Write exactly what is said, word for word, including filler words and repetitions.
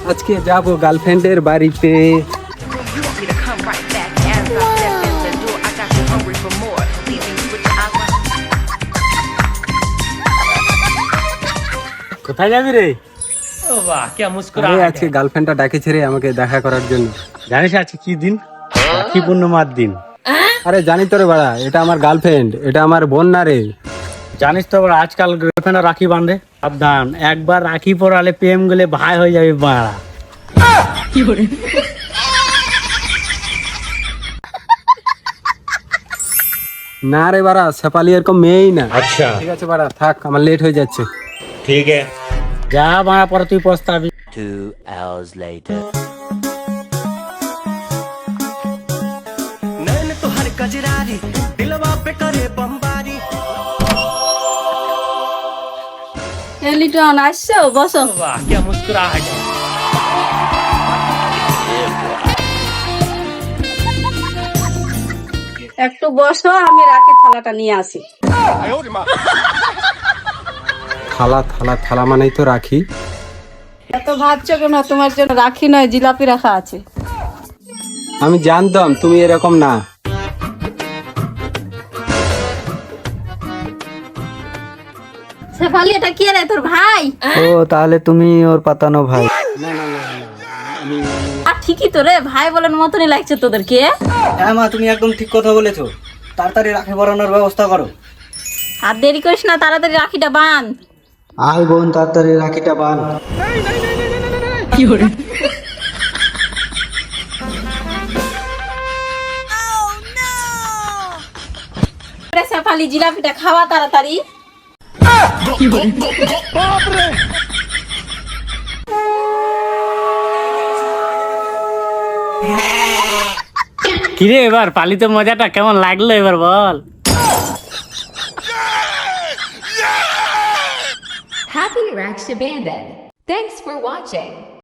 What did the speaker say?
আজকে যাব গার্লফ্রেন্ডের বাড়িতে। কোথায় যাবি রে? ও বাহ কি মুস্কুরা। আরে আজকে গার্লফ্রেন্ডটা ডাকেছে রে আমাকে দেখা করার জন্য। জানিস আজকে কি দিন? রাখি পূর্ণিমার দিন। আরে জানি তো রে বাড়া, এটা আমার গার্লফ্রেন্ড, এটা আমার বোন না রে। জানিস তো বাড়া, আজকাল গার্লফ্রেন্ড রাখি বাঁধে। সাবধান, একবার রাখি পরালে প্রেম গেলে ভাই হয়ে যাবে বাড়া। কি করে? না রে বাড়া, শেফালি এরকম মেয়েই না। আচ্ছা ঠিক আছে বাড়া, থাক, আমার লেট হয়ে যাচ্ছে। ঠিক আছে, যা বাড়া, পরে তুই পস্তাবি। Two hours later. नैन तो हर कजरारी दिलवा पे करे बमबारी। এ লিটন আসছো, বসো। বাহ কি মুস্কুরা है। একটু বসো, আমি রাখি থালাটা নিয়ে আসি। থালা থালা থালা মানেই তো রাখি। এত ভাবছো কেন? তোমার জন্য রাখি নয়, জিলাপি রাখা আছে। আমি জানতাম তুমি এরকম না। শেফালি, এটা কি রে, তোর ভাই? ও তাহলে তুমি ওর পাতানো ভাই। আর ঠিকই তো রে, ভাই বলার মতনই লাগছে তোদেরকে। হ্যাঁ মা, তুমি একদম ঠিক কথা বলেছো। তাড়াতাড়ি রাখি পরানোর ব্যবস্থা করো। আর দেরি করিস না, তাড়াতাড়ি রাখিটা বাঁধ। আয় বোন, তাড়াতাড়ি রাখিটা বাঁধ। কি করে? শেফালি, জিলাপিটা খাওয়া তাড়াতাড়ি। কিরে এবার পালিতে মজাটা কেমন লাগলো এবার বল। Happy Raksha Bandhan. Thanks for watching.